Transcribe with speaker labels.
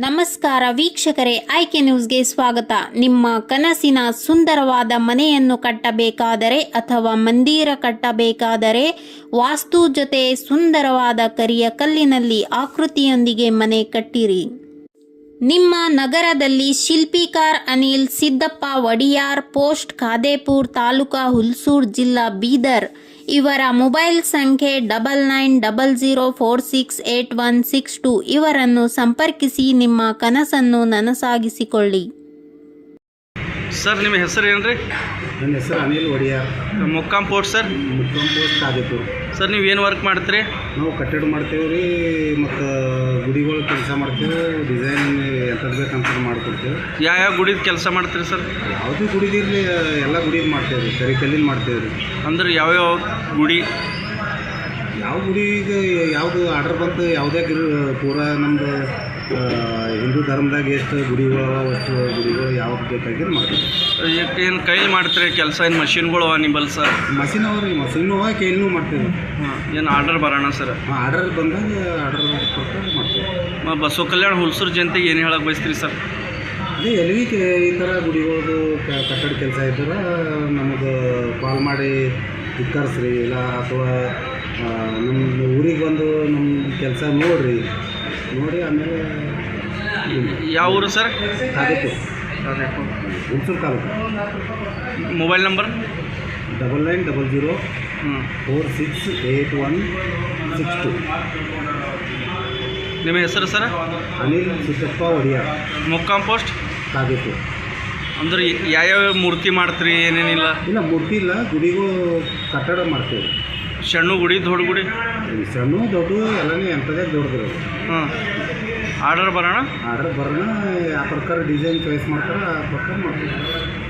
Speaker 1: ನಮಸ್ಕಾರ ವೀಕ್ಷಕರೇ, ಆಯ್ಕೆ ನ್ಯೂಸ್ಗೆ ಸ್ವಾಗತ. ನಿಮ್ಮ ಕನಸಿನ ಸುಂದರವಾದ ಮನೆಯನ್ನು ಕಟ್ಟಬೇಕಾದರೆ ಅಥವಾ ಮಂದಿರ ಕಟ್ಟಬೇಕಾದರೆ ವಾಸ್ತು ಜೊತೆ ಸುಂದರವಾದ ಕರಿಯ ಕಲ್ಲಿನಲ್ಲಿ ಆಕೃತಿಯೊಂದಿಗೆ ಮನೆ ಕಟ್ಟಿರಿ. ನಿಮ್ಮ ನಗರದಲ್ಲಿ ಶಿಲ್ಪಿಕಾರ್ ಅನಿಲ್ ಸಿದ್ದಪ್ಪ ವಡಿಯಾರ್, ಪೋಸ್ಟ್ ಖಾದೇಪುರ್, ತಾಲೂಕಾ ಹುಲ್ಸೂರ್, ಜಿಲ್ಲಾ ಬೀದರ್ ಇವರ ಮೊಬೈಲ್ ಸಂಖ್ಯೆ 9900468162 ಇವರನ್ನು ಸಂಪರ್ಕಿಸಿ ನಿಮ್ಮ ಕನಸನ್ನು ನನಸಾಗಿಸಿಕೊಳ್ಳಿ.
Speaker 2: ಸರ್, ನಿಮ್ಮ ಹೆಸರು ಏನ್ರಿ?
Speaker 3: ನನ್ನ ಹೆಸರು ಅನಿಲ್ ವಡಿಯಾರ್.
Speaker 2: ಮುಕ್ಕಾಂ ಪೋಸ್ಟ್ ಸರ್?
Speaker 3: ಮುಕ್ಕಾಂ ಪೋಸ್ಟ್ ಖಾದೇಪುರ್.
Speaker 2: ಸರ್, ನೀವು ಏನು ವರ್ಕ್ ಮಾಡ್ತೀರಿ?
Speaker 3: ನಾವು ಕಟ್ಟಡ ಮಾಡ್ತೇವೆ ರೀ, ಮತ್ತು ಗುಡಿಗಳು ಕೆಲಸ ಮಾಡ್ತೇವೆ. ಡಿಸೈನ್ ಎಂಥದ್ದು ಬೇಕಂತ ಮಾಡಿಕೊಡ್ತೇವೆ.
Speaker 2: ಯಾವ ಗುಡಿದ ಕೆಲಸ ಮಾಡ್ತೀರಿ ಸರ್?
Speaker 3: ಯಾವುದೇ ಗುಡಿದಿರಲಿ ಎಲ್ಲ ಗುಡಿದು ಮಾಡ್ತೇವೆ ರೀ. ಕರಿ ಕಲ್ಲಿನ ಮಾಡ್ತೇವೆ ರೀ.
Speaker 2: ಅಂದ್ರೆ ಯಾವ್ಯಾವ ಗುಡಿ?
Speaker 3: ಯಾವ ಗುಡಿಗೆ ಯಾವುದು ಆರ್ಡರ್ ಬಂತು, ಯಾವುದೇ ಪೂರಾ ನಮ್ಮದು ಹಿಂದೂ ಧರ್ಮದಾಗ ಎಷ್ಟು ಗುಡಿಗಳು ಅಷ್ಟು ಗುಡಿಗಳು ಯಾವ್ದು ಬೇಕಾಗಿದ್ದು ಮಾಡ್ತೀವಿ.
Speaker 2: ಏನು ಕೈಲಿ ಮಾಡ್ತೀರಿ ಕೆಲಸ? ಏನು ಮಷಿನ್ಗಳು ಅವ ನಿಂಬಲ್ ಸರ್?
Speaker 3: ಮಷಿನ್ ಅವ ರೀ, ಮಷಿನ್ನು ಅವ, ಕೈಲೂ ಮಾಡ್ತೇವೆ.
Speaker 2: ಹಾಂ, ಏನು ಆರ್ಡರ್ ಬರೋಣ ಸರ್?
Speaker 3: ಹಾಂ, ಆರ್ಡರ್ ಬಂದಾಗ ಆರ್ಡರ್ ಕೊಟ್ಟು ಮಾಡ್ತೇವೆ.
Speaker 2: ಬಸವ ಕಲ್ಯಾಣ ಹುಲ್ಸೂರು ಜನತೆಗೆ ಏನು ಹೇಳಕ್ಕೆ ಬಯಸ್ತೀರಿ ಸರ್?
Speaker 3: ಅದೇ ಎಲ್ಲಿ ಈ ಥರ ಗುಡಿಗಳದು ಕಟ್ಟಡ ಕೆಲಸ ಇದ್ರೆ ನಮಗೆ ಕಾಲ್ ಮಾಡಿ ವಿಚಾರಿಸ್ರಿ, ಇಲ್ಲ ಅಥವಾ ನಮ್ಮ ಊರಿಗೆ ಬಂದು ನಮ್ಮ ಕೆಲಸ ನೋಡಿ ಆಮೇಲೆ.
Speaker 2: ಯಾವ ಊರು sir?
Speaker 3: Khadepur, Hulsur taluk.
Speaker 2: Mobile number?
Speaker 3: 9900468162.
Speaker 2: ನಿಮ್ಮ ಹೆಸರು ಸರ್?
Speaker 3: ಅನಿಲ್ ಸಿದ್ದಪ್ಪ ವಡಿಯಾರ್,
Speaker 2: ಮುಕ್ಕಾಂ ಪೋಸ್ಟ್
Speaker 3: ಖಾದೇಪುರ್.
Speaker 2: ಅಂದ್ರೆ ಯಾವ್ಯಾವ ಮೂರ್ತಿ ಮಾಡ್ತೀರಿ? ಏನೇನಿಲ್ಲ?
Speaker 3: ಇಲ್ಲ, ಮೂರ್ತಿ ಇಲ್ಲ, ಗುಡಿಗೂ ಕಟ್ಟಡ ಮಾಡ್ತೇವೆ.
Speaker 2: ಸಣ್ಣ ಗುಡಿ, ದೊಡ್ಡ ಗುಡಿ?
Speaker 3: ಸಣ್ಣ ದೊಡ್ಡ ಎಲ್ಲನೇ ಎಂಥದೇ ದೊಡ್ಡದಿರೋದು.
Speaker 2: ಹಾಂ, ಆರ್ಡರ್ ಬರೋಣ?
Speaker 3: ಆರ್ಡರ್ ಬರೋಣ, ಆ ಪ್ರಕಾರ ಡಿಸೈನ್ ಚಾಯ್ಸ್ ಮಾಡ್ತಾರೆ, ಆ ಪ್ರಕಾರ ಮಾಡ್ತೀವಿ.